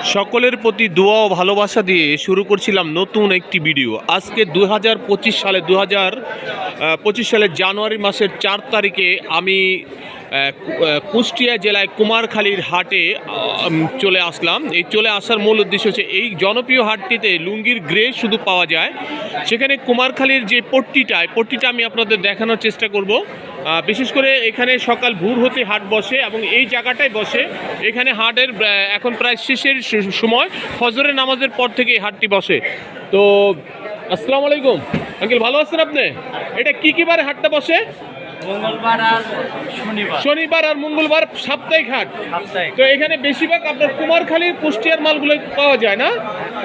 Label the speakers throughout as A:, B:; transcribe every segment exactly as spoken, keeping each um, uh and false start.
A: সকলের প্রতি দোয়া ও ভালোবাসা দিয়ে শুরু করছিলাম নতুন একটি ভিডিও। আজকে দু হাজার পঁচিশ সালে দু হাজার পঁচিশ সালের জানুয়ারি মাসের চার তারিখে আমি কুষ্টিয়া জেলায় কুমারখালীর হাটে চলে আসলাম। এই চলে আসার মূল উদ্দেশ্য হচ্ছে এই জনপ্রিয় হাটটিতে লুঙ্গির গ্রে শুধু পাওয়া যায়। সেখানে কুমারখালীর যে পট্টিটা পট্টিটা আমি আপনাদের দেখানোর চেষ্টা করব। বিশেষ করে এখানে সকাল ভোর হতে হাট বসে এবং এই জায়গাটায় বসে। এখানে হাটের এখন প্রায় শেষের সময়, ফজরের নামাজের পর থেকে এই হাটটি বসে। তো আসসালামু আলাইকুম আঙ্কেল, ভালো আছেন আপনি? এটা কি কি বারে হাটটা বসে?
B: মঙ্গলবার আর শনিবার।
A: শনিবার আর মঙ্গলবার সাপ্তাহিক হাট। তো এখানে বেশিরভাগ আপনার কুমারখালীর কুষ্টিয়ার মালগুলো পাওয়া যায় না?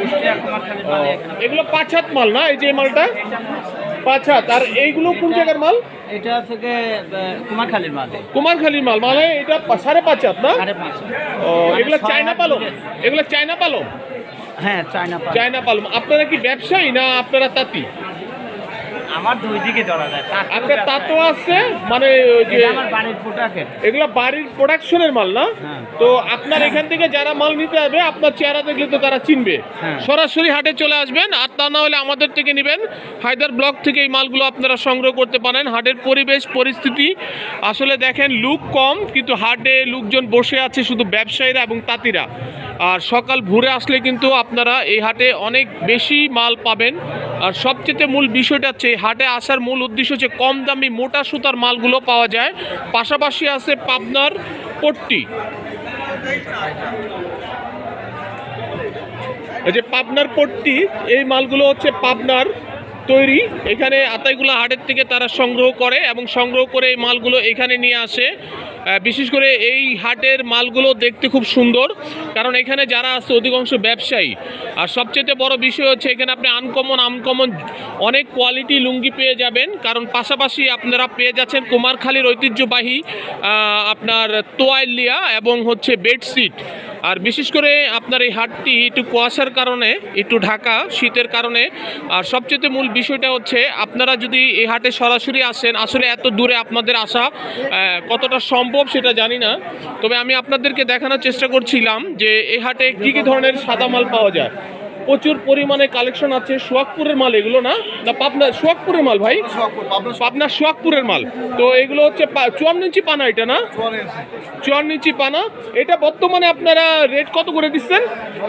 A: এগুলো পাঁচ হাত মাল না? এই যে মালটা পাঁচ হাত। আর এইগুলো কোন জায়গার মাল?
B: এটা থেকে কুমারখালীর মাল।
A: কুমারখালীর মাল মানে এটা সাড়ে পাঁচ হাত না? ও, এগুলো চায়না পালং? এগুলো চায়না পালং?
B: হ্যাঁ, চায়না পালং।
A: চায়না পালং। আপনারা কি ব্যবসায়ী না আপনারা তাঁতি?
B: আমার দুই দিকে ধরা যায়।
A: আপনার তাঁতও আছে মানে যে
B: আমার বাড়ির প্রোডাক্টের,
A: এগুলো বাড়ির প্রোডাকশনের মাল না? তো আপনার এখান থেকে যারা মাল নিতে হবে আপনার চেহারা দেখলে তো তারা চিনবে। সরাসরি হাটে চলে আসবেন, আর তা না হলে আমাদের থেকে নেবেন। হায়দার ব্লক থেকে এই মালগুলো আপনারা সংগ্রহ করতে পারেন। হাটের পরিবেশ পরিস্থিতি আসলে দেখেন, লোক কম কিন্তু হাটে লোকজন বসে আছে, শুধু ব্যবসায়ীরা এবং তাঁতিরা। আর সকাল ভোরে আসলে কিন্তু আপনারা এই হাটে অনেক বেশি মাল পাবেন। আর সবচেয়ে মূল বিষয়টা হচ্ছে হাটে আসার মূল উদ্দেশ্য হচ্ছে কম দামি মোটা সুতার মালগুলো পাওয়া যায়। পাশাপাশি আছে পাবনার পট্টি। এই যে পাবনার পট্টি, এই মালগুলো হচ্ছে পাবনার তৈরি। এখানে আতাইগুলা হাটের থেকে তারা সংগ্রহ করে এবং সংগ্রহ করে এই মালগুলো এখানে নিয়ে আসে। বিশেষ করে এই হাটের মালগুলো দেখতে খুব সুন্দর, কারণ এখানে যারা আছে অধিকাংশ ব্যবসায়ী। আর সবচেয়ে বড় বিষয় হচ্ছে এখানে আপনি আনকমন আনকমন অনেক কোয়ালিটি লুঙ্গি পেয়ে যাবেন। কারণ পাশাপাশি আপনারা পেয়ে যাচ্ছেন কুমারখালীর ঐতিহ্যবাহী আপনার তোয়াইলিয়া এবং হচ্ছে বেডশিট। আর বিশেষ করে আপনার এই হাটটি একটু কুয়াশার কারণে, একটু ঢাকা শীতের কারণে। আর সবচেয়ে মূল বিষয়টা হচ্ছে আপনারা যদি এই হাটে সরাসরি আসেন, আসলে এত দূরে আপনাদের আসা কতটা সম্ভব সেটা জানি না, তবে আমি আপনাদেরকে দেখানোর চেষ্টা করছিলাম যে এই হাটে কী কী ধরনের সাদা মাল পাওয়া যায়। প্রচুর পরিমাণে কালেকশন আছে। সোহাগপুরের মাল এগুলো না? না পাবনা সোহাগপুরের মাল ভাই? পাবনা সোহাগপুরের মাল। তো এগুলো হচ্ছে চুয়ান্ন ইঞ্চি পানা, এটা না? চুয়ান্ন ইঞ্চি পানা। এটা বর্তমানে আপনারা রেট কত করে দিচ্ছেন?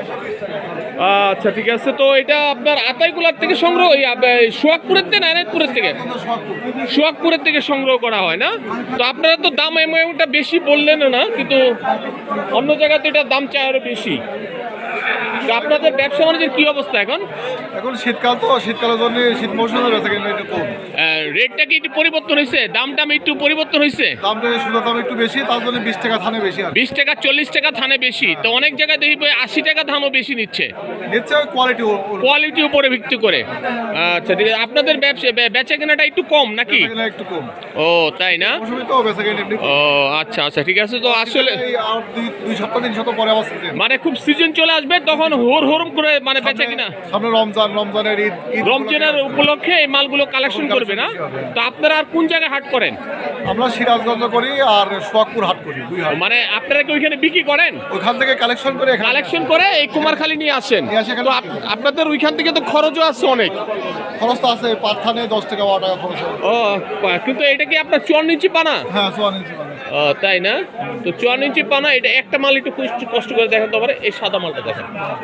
A: আচ্ছা, ঠিক আছে। তো এটা আপনার আতাইগুলার থেকে সংগ্রহ, সোহাগপুরের থেকে না এনায়তপুরের থেকে? সোহাগপুরের থেকে সংগ্রহ করা হয় না? তো আপনারা তো দাম এমনটা বেশি বললেন না, কিন্তু অন্য জায়গাতে এটার দাম চাই আরও বেশি। আপনাদের ব্যবসা বাণিজ্যের কি অবস্থা এখন?
C: এখন শীতকাল তো, শীতকালের জন্য শীত মৌসুমে বেচা কিনা একটু কম।
A: রেটটা কি একটু পরিবর্তন হয়েছে? দামটা একটু পরিবর্তন হয়েছে?
C: দামটা সুন্দর, দাম একটু বেশি, তার জন্য বিশ টাকা থানে বেশি। আর
A: বিশ টাকা চল্লিশ টাকা থানে বেশি। তো অনেক জায়গায় দেখি আশি টাকা ধানও বেশি নিচ্ছে।
C: নিচ্ছে কোয়ালিটি,
A: কোয়ালিটির উপরে ভিত্তি করে। আচ্ছা, ঠিক আছে। আপনাদের ব্যবসা বেচা কেনাটা একটু কম নাকি?
C: একটু কম।
A: ও তাই না?
C: তো বেচা কিনা একটু।
A: ও আচ্ছা আচ্ছা, ঠিক আছে। তো আসলে
C: দুই সপ্তাহ তিন সপ্তাহ পরে আবার
A: মানে খুব সিজন চলে আসবে, তখন হোর হোরম করে মানে বেচা কিনা।
C: সামনে রমজান, রমজানের ঈদ,
A: রমজানের উপলক্ষে এই মালগুলো কালেকশন করবে না? তো আপনারা আর কোন জায়গায় হাট করেন?
C: আমরা সিরাজগঞ্জ করি আর সোহাগপুর হাট করি, দুই হাট।
A: মানে আপনারা কি ওইখানে বিক্রি করেন?
C: ওইখান থেকে কালেকশন করে
A: কালেকশন করে এই কুমারখালী নিয়ে আসেন। তো আপনাদের ওইখান থেকে তো খরচও আছে অনেক।
C: খরচ তো আছে, পাঠানে দশ টাকা বারো টাকা খরচ।
A: ও, কিন্তু এটা কি আপনার চুয়ান্ন ইঞ্চি পানা?
C: হ্যাঁ, চুয়ান্ন ইঞ্চি পানা।
A: ও তাই না? তো চুয়ান্ন ইঞ্চি পানা, এটা একটা মাল একটু কষ্ট করে দেখেন তো পারে। এই সাদা মালটা দেখেন,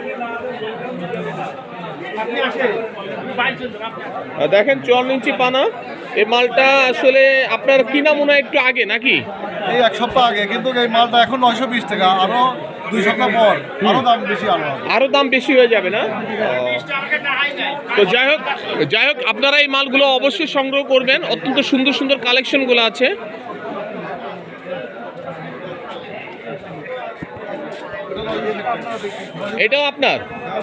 A: দেখেন চুয়ান্ন ইঞ্চি পানা। এই মালটা আসলে আপনার কিনা মনে হয় একটু আগে নাকি?
C: এই এক সপ্তাহ আগে, কিন্তু এই মালটা এখন নয়শো বিশ টাকা। আরো দুই সপ্তাহ পর আরো দাম বেশি, আরো
A: আরো দাম বেশি হয়ে যাবে না? তো যাই হোক যাই হোক আপনারা এই মালগুলো অবশ্যই সংগ্রহ করবেন। অত্যন্ত সুন্দর সুন্দর কালেকশনগুলো আছে। এটাও আপনার?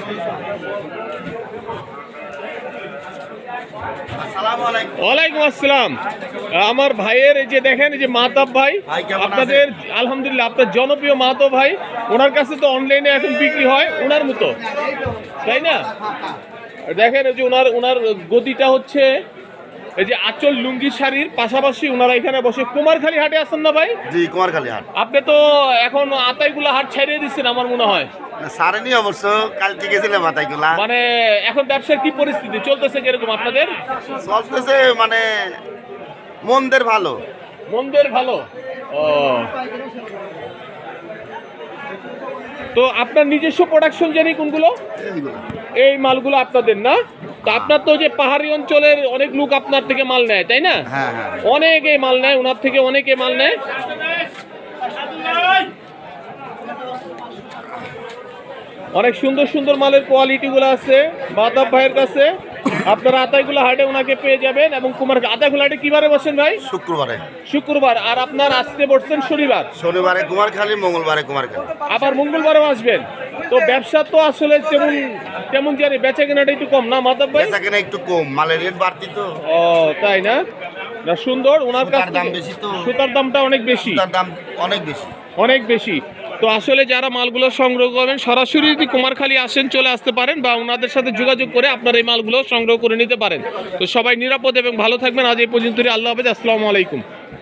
A: ওয়ালাইকুম আসসালাম। আমার ভাইয়ের এই যে দেখেন, এই যে মাহতাব ভাই, আপনাদের আলহামদুলিল্লাহ আপনার জনপ্রিয় মাহতাব ভাই, ওনার কাছে তো অনলাইনে এখন বিক্রি হয় ওনার মতো, তাই না? দেখেন এই যে ওনার ওনার গদিটা হচ্ছে এই যে আঁচল লুঙ্গি শাড়ির পাশাপাশি ওনারা এখানে বসে কুমারখালী হাটে আছেন না ভাই?
D: জি কুমারখালী হাট।
A: আপনি তো এখন আতাইগুলা হাট ছাড়িয়ে দিচ্ছেন আমার মনে হয়।
D: সারেনি অবশ্য, কালকে গেছিলাম মাথাইগুলা।
A: মানে এখন ব্যবসার কি পরিস্থিতি চলতেছে কিরকম আপনাদের?
D: চলতেছে মানে মন্দের ভালো।
A: মন্দের ভালো। ও, তো আপনার নিজস্ব প্রোডাকশন জানি কোনগুলো?
D: এইগুলা।
A: এই মালগুলো আপনাদের না? তো আপনার তো যে পাহাড়ি অঞ্চলের অনেক লোক আপনার থেকে মাল নেয় তাই না?
D: হ্যাঁ হ্যাঁ।
A: অনেকে মাল নেয়, ওনার থেকে অনেকে মাল নেয়। অনেক সুন্দর সুন্দর মালের কোয়ালিটিগুলো আছে বাতাব ভাইয়ের কাছে। আপনারা আতাইগুলো হাটে ওনাকে পেয়ে যাবেন। এবং কুমার আতাইগুলো হাটে কিবারে বসেন ভাই?
D: শুক্রবারে।
A: শুক্রবার। আর আপনার আসতে বসছেন শনিবার।
D: শনিবারে কুমারখালী, মঙ্গলবারে কুমারখালী।
A: আবার মঙ্গলবারও আসবেন। তো ব্যবসা তো আসলে তেমন তেমন জানি বেচা কেনাটা একটু কম না মাতাব ভাই?
D: বেচা কেনা একটু কম, মালের রেট বাড়তি তো।
A: ও তাই না? না সুন্দর। ওনার
D: সুতার
A: কাছে
D: দাম বেশি তো।
A: সুতার দামটা অনেক বেশি।
D: তার দাম অনেক বেশি।
A: অনেক বেশি। তো আসলে যারা মালগুলো সংগ্রহ করবেন সরাসরি যদি কুমারখালী আসেন চলে আসতে পারেন, বা ওনাদের সাথে যোগাযোগ করে আপনার এই মালগুলো সংগ্রহ করে নিতে পারেন। তো সবাই নিরাপদ এবং ভালো থাকবেন। আজ এই পর্যন্তই। আল্লাহ হাফেজ। আসসালামু আলাইকুম।